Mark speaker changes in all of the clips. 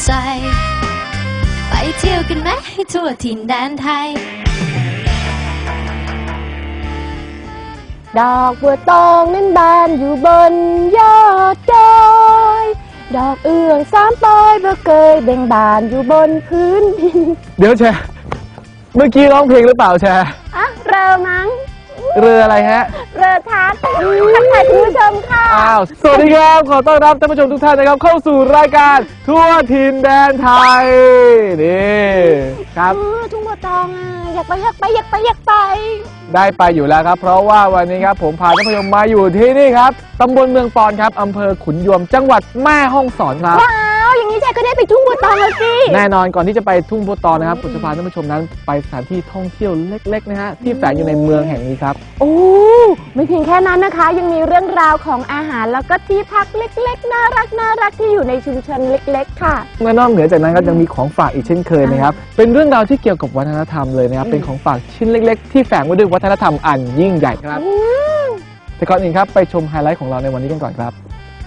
Speaker 1: ใจไปเที่ยวกันไหมให้ทั่วถิ่นแดนไทย
Speaker 2: ดอกบัวตองนั้นบานอยู่บนยอดดอยดอกเอื้อง3 ปอยบ่เคยเบ่งบานอยู่บนพื้นดิน
Speaker 3: เดี๋ยวแชร์เมื่อกี้ร้องเพลงหรือเปล่าแชร์
Speaker 2: เรือมั้ง
Speaker 3: เรืออะไรฮะ
Speaker 2: เรือทักทายคุณผู้ชมค่ะ
Speaker 3: สวัสดีครับขอต้อนรับท่านผู้ชมทุกท่านนะครับเข้าสู่รายการทั่วถิ่นแดนไทยนี่ครับ
Speaker 2: ทุ่งบัวตองอยากไป
Speaker 3: ได้ไปอยู่แล้วครับเพราะว่าวันนี้ครับผมพาท่านผู้ชมมาอยู่ที่นี่ครับตำบลเมืองปอนครับอำเภอขุนยวมจังหวัดแม่ฮ่องสอนครับ
Speaker 2: ว้าวอย่างนี้แจ๊ก็ได้ไปทุ่งบัวตองแล้วสิ
Speaker 3: แน่นอนก่อนที่จะไปทุ่งบัวตองนะครับผมจะพาท่านผู้ชมนั้นไปสถานที่ท่องเที่ยวเล็กๆนะฮะที่แฝงอยู่ในเมืองแห่งนี้ครับ
Speaker 2: โอ้ไม่เพียงแค่นั้นนะคะยังมีเรื่องราวของอาหารแล้วก็ที่พักเล็กๆน่ารักที่อยู่ในชุมชนเล็กๆค่ะ
Speaker 3: นอกเหนือจากนั้นก็ยังมีของฝากอีกเช่นเคยนะครับเป็นเรื่องราวที่เกี่ยวกับวัฒนธรรมเลยนะครับเป็นของฝากชิ้นเล็กๆที่แฝงไว้ด้วยวัฒนธรรมอันยิ่งใหญ่ครับแต่ก่อนอื่นครับไปชมไฮไลท์ของเราในวันนี้กันก่อนครับ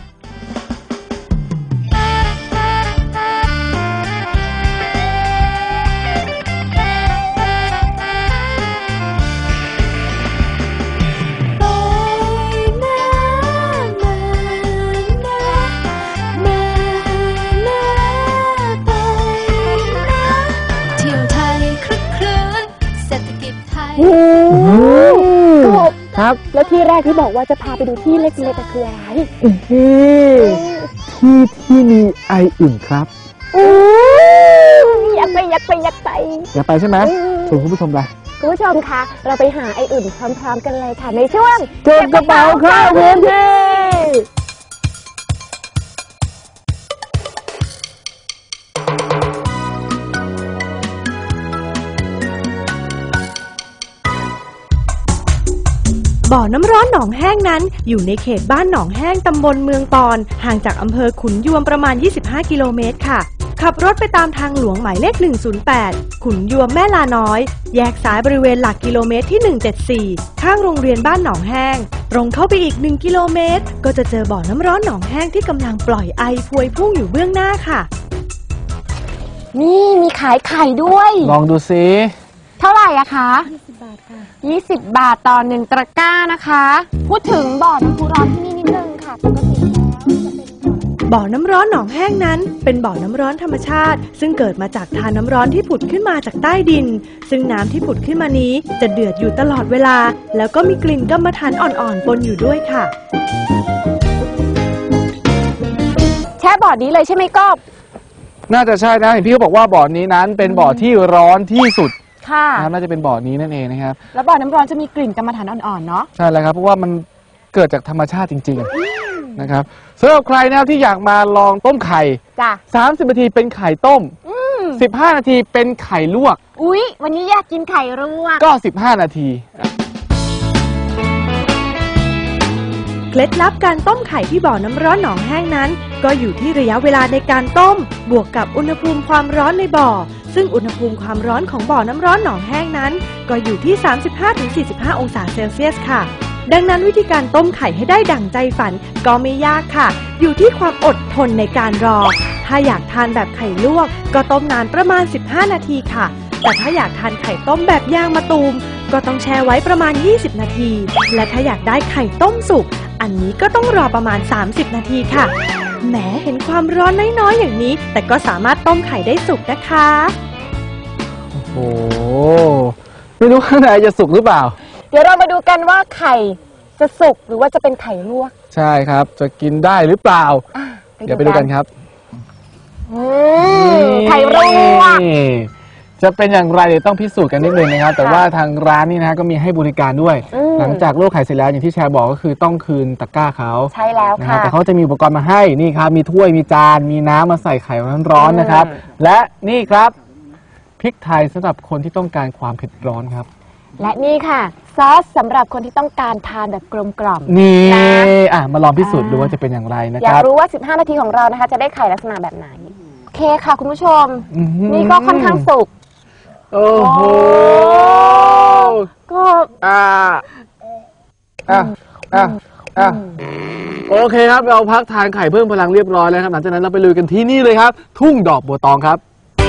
Speaker 2: ครับแล้วที่แรกที่บอกว่าจะพาไปดูที่เล็กๆคืออะไร
Speaker 3: ที่มีไออุ่นครับ
Speaker 2: อยากไป
Speaker 3: ใช่ไหมชวนคุณผู้ชมไป
Speaker 2: คุณผู้ชมคะเราไปหาไออุ่นพร้อมๆกันเลยค่ะในช่วง
Speaker 3: เก็บกระเป๋าเข้าพื้นที่
Speaker 4: บ่อน้ำร้อนหนองแห้งนั้นอยู่ในเขตบ้านหนองแห้งตำบลเมืองปอนห่างจากอำเภอขุนยวมประมาณ25 กิโลเมตรค่ะขับรถไปตามทางหลวงหมายเลข108ขุนยวมแม่ลาน้อยแยกซ้ายบริเวณหลักกิโลเมตรที่174ข้างโรงเรียนบ้านหนองแห้งตรงเข้าไปอีก1 กิโลเมตรก็จะเจอบ่อน้ำร้อนหนองแห้งที่กำลังปล่อยไอพวยพุ่งอยู่เบื้องหน้าค่ะ
Speaker 2: นี่มีขายไข่ด้วย
Speaker 3: ลองดูซิ
Speaker 2: เท่าไหร่อะคะ20 บาทค่ะ20 บาทต่อ1 ตะกร้านะคะพูดถึงบ่อน้ำพุร้อนที่นี่นิดนึงค่ะปกติแล้วจะเป็น
Speaker 4: บ่อน้ำร้อนหนองแห้งนั้นเป็นบ่อน้ำร้อนธรรมชาติซึ่งเกิดมาจากทานน้ำร้อนที่ผุดขึ้นมาจากใต้ดินซึ่งน้ำที่ผุดขึ้นมานี้จะเดือดอยู่ตลอดเวลาแล้วก็มีกลิ่นกรรมฐานอ่อนๆปนอยู่ด้วยค่ะ
Speaker 2: แช่บ่อนี้เลยใช่ไหมก๊อฟ
Speaker 3: น่าจะใช่นะเห็นพี่เขาบอกว่าบ่อนี้นั้นเป็นบ่อที่ร้อนที่สุด
Speaker 2: ค่ะ
Speaker 3: น่าจะเป็นบ่อนี้นั่นเองนะครับ
Speaker 2: แล้วบ่อน้ำร้อนจะมีกลิ่นกรรมฐานอ่อนๆเนาะ
Speaker 3: ใช่แล้วครับเพราะว่ามันเกิดจากธรรมชาติจริงๆนะครับสำหรับใครนะครับที่อยากมาลองต้มไข่30 นาทีเป็นไข่ต้ม15 นาทีเป็นไข่ลวก
Speaker 2: อุ๊ยวันนี้อยากกินไข่ลวก
Speaker 3: ก็15 นาที
Speaker 4: เคล็ดลับการต้มไข่ที่บ่อน้ำร้อนหนองแห้งนั้นก็อยู่ที่ระยะเวลาในการต้มบวกกับอุณหภูมิความร้อนในบ่อซึ่งอุณหภูมิความร้อนของบ่อน้ำร้อนหนองแห้งนั้นก็อยู่ที่ 35-45 องศาเซลเซียสค่ะดังนั้นวิธีการต้มไข่ให้ได้ดั่งใจฝันก็ไม่ยากค่ะอยู่ที่ความอดทนในการรอถ้าอยากทานแบบไข่ลวกก็ต้มนานประมาณ15 นาทีค่ะแต่ถ้าอยากทานไข่ต้มแบบย่างมะตูมก็ต้องแช่ไว้ประมาณ20 นาทีและถ้าอยากได้ไข่ต้มสุกอันนี้ก็ต้องรอประมาณ30 นาทีค่ะแหมเห็นความร้อนน้อยๆอย่างนี้แต่ก็สามารถต้มไข่ได้สุกนะคะ
Speaker 3: โอ้โหไม่รู้ข้างในจะสุกหรือเปล่า
Speaker 2: เดี๋ยวเรามาดูกันว่าไข่จะสุกหรือว่าจะเป็นไข่ลวก
Speaker 3: ใช่ครับจะกินได้หรือเปล่าเดี๋ยวไปดูกันครับ
Speaker 2: ไข่ลวก
Speaker 3: จะเป็นอย่างไรเดี๋ยวต้องพิสูจน์กันนิดนึงนะครับแต่ว่าทางร้านนี่นะก็มีให้บริการด้วยหลังจากลวกไข่เสร็จแล้วอย่างที่แชร์บอกก็คือต้องคืนตะกร้าเขา
Speaker 2: ใช่แล้วค่ะ
Speaker 3: แต่เขาจะมีอุปกรณ์มาให้นี่ครับมีถ้วยมีจานมีน้ำมาใส่ไข่ร้อนๆนะครับและนี่ครับพริกไทยสำหรับคนที่ต้องการความเผ็ดร้อนครับ
Speaker 2: และนี่ค่ะซอสสำหรับคนที่ต้องการทานแบบกลมกล่อม
Speaker 3: นี่มาลองพิสูจน์ดูว่าจะเป็นอย่างไรนะครับ
Speaker 2: อยากรู้ว่า15 นาทีของเรานะคะจะได้ไข่ลักษณะแบบไหนโอเคค่ะคุณผู้ชมนี่ก็ค่อนข้างสุก
Speaker 3: โอ้โห
Speaker 2: ก็
Speaker 3: โอ้โอเคครับเราพักทานไข่เพิ่มพลังเรียบร้อยแล้วครับหลังจากนั้นเราไปลุยกันที่นี่เลยครับทุ่งดอกบัวตองครับ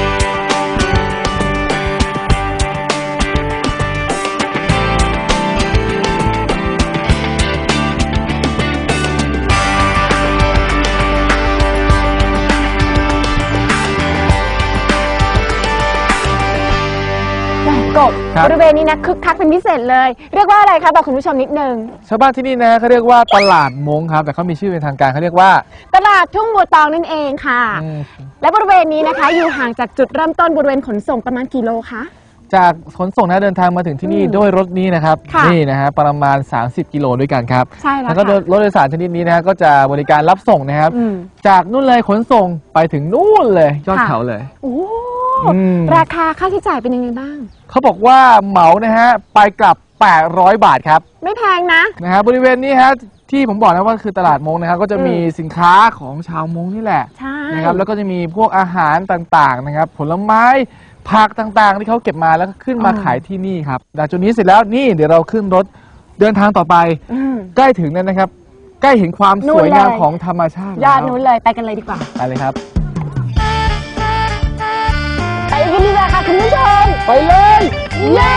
Speaker 2: กบบริเวณนี้นะคึกคักเป็นพิเศษเลยเรียกว่าอะไรคะบอกคุณผู้ชมนิดนึง
Speaker 3: ชาวบ้านที่นี่นะเขาเรียกว่าตลาดมงครับแต่เขามีชื่อเป็นทางการเขาเรียกว่า
Speaker 2: ตลาดทุ่งบัวตองนั่นเองค่ะและบริเวณนี้นะคะอยู่ห่างจากจุดเริ่มต้นบริเวณขนส่งประมาณกี่โลคะ
Speaker 3: จากขนส่งนะเดินทางมาถึงที่นี่ด้วยรถนี้นะครับนี่นะฮะประมาณ30 กิโลด้วยกันครับ
Speaker 2: ใช่แล้ว
Speaker 3: ก็รถโดยสารชนิดนี้นะก็จะบริการรับส่งนะครับจากนู่นเลยขนส่งไปถึงนู่นเลยยอดเขาเลย
Speaker 2: โอ้ราคาค่าใช้จ่ายเป็นยังไงบ้าง
Speaker 3: เขาบอกว่าเหมานะฮะไปกลับ800 บาทครับ
Speaker 2: ไม่แพงนะ
Speaker 3: ฮะบริเวณนี้ฮะที่ผมบอกนะว่าคือตลาดมงนะครับก็จะมีสินค้าของชาวมงนี่แหละนะครับแล้วก็จะมีพวกอาหารต่างๆนะครับผลไม้ผักต่างๆที่เขาเก็บมาแล้วก็ขึ้นมาขายที่นี่ครับจากจุดนี้เสร็จแล้วนี่เดี๋ยวเราขึ้นรถเดินทางต่อไปใกล้ถึงแล้วนะครับใกล้เห็นความสวยงามของธรรมชาติ
Speaker 2: ยอดนู้นเลยไปกันเลยดีกว่า
Speaker 3: ไปเลยครับ
Speaker 2: ไปกันดีกว่าค่ะคุณผู้ชม
Speaker 3: ไปเลย
Speaker 2: เย้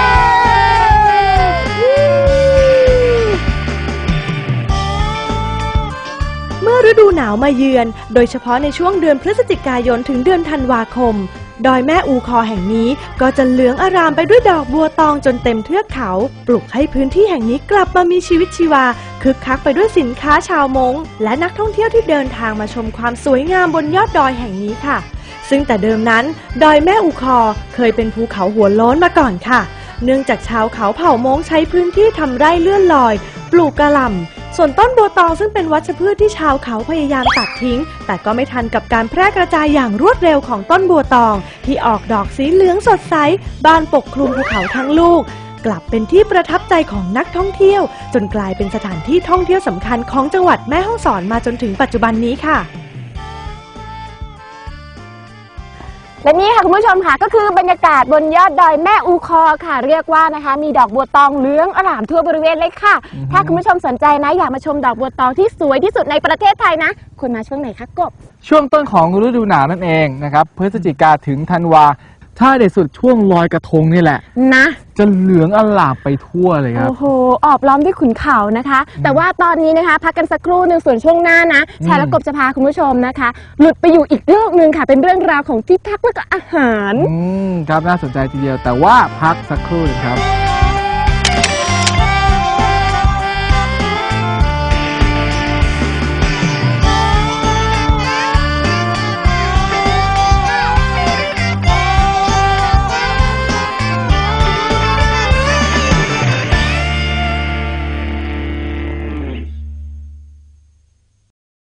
Speaker 4: เมื่อฤดูหนาวมาเยือนโดยเฉพาะในช่วงเดือนพฤศจิกายนถึงเดือนธันวาคมดอยแม่อูคอแห่งนี้ก็จะเหลืองอารามไปด้วยดอกบัวตองจนเต็มเทือกเขาปลุกให้พื้นที่แห่งนี้กลับมามีชีวิตชีวาคึกคักไปด้วยสินค้าชาวมงและนักท่องเที่ยวที่เดินทางมาชมความสวยงามบนยอดดอยแห่งนี้ค่ะซึ่งแต่เดิมนั้นดอยแม่อูคอเคยเป็นภูเขาหัวโล้นมาก่อนค่ะเนื่องจากชาวเขาเผ่ามงใช้พื้นที่ทำไร่เลื่อนลอยปลูกกะหล่ำส่วนต้นบัวตองซึ่งเป็นวัชพืชที่ชาวเขาพยายามตัดทิ้งแต่ก็ไม่ทันกับการแพร่กระจายอย่างรวดเร็วของต้นบัวตองที่ออกดอกสีเหลืองสดใสบานปกคลุมภูเขาทั้งลูกกลับเป็นที่ประทับใจของนักท่องเที่ยวจนกลายเป็นสถานที่ท่องเที่ยวสำคัญของจังหวัดแม่ฮ่องสอนมาจนถึงปัจจุบันนี้ค่ะ
Speaker 2: และนี่ค่ะคุณผู้ชมค่ะก็คือบรรยากาศบนยอดดอยแม่อูคอค่ะเรียกว่านะคะมีดอกบัวตองเหลืองอร่ามทั่วบริเวณเลยค่ะถ้าคุณผู้ชมสนใจนะอยากมาชมดอกบัวตองที่สวยที่สุดในประเทศไทยนะคุณมาช่วงไหนคะกบ
Speaker 3: ช่วงต้นของฤดูหนาวนั่นเองนะครับพฤศจิกาถึงธันวาถ้าเด็ดสุดช่วงลอยกระทงนี่แหละ
Speaker 2: นะ
Speaker 3: จะเหลืองอลามไปทั่วเลยครับ
Speaker 2: โอ้โหออบล้อมด้วยขุนเขานะคะแต่ว่าตอนนี้นะคะพักกันสักครู่หนึ่งส่วนช่วงหน้านะชายและกบจะพาคุณผู้ชมนะคะหลุดไปอยู่อีกโลกหนึ่งค่ะเป็นเรื่องราวของที่พักและก็อาหาร
Speaker 3: ครับน่าสนใจทีเดียวแต่ว่าพักสักครู่ครับ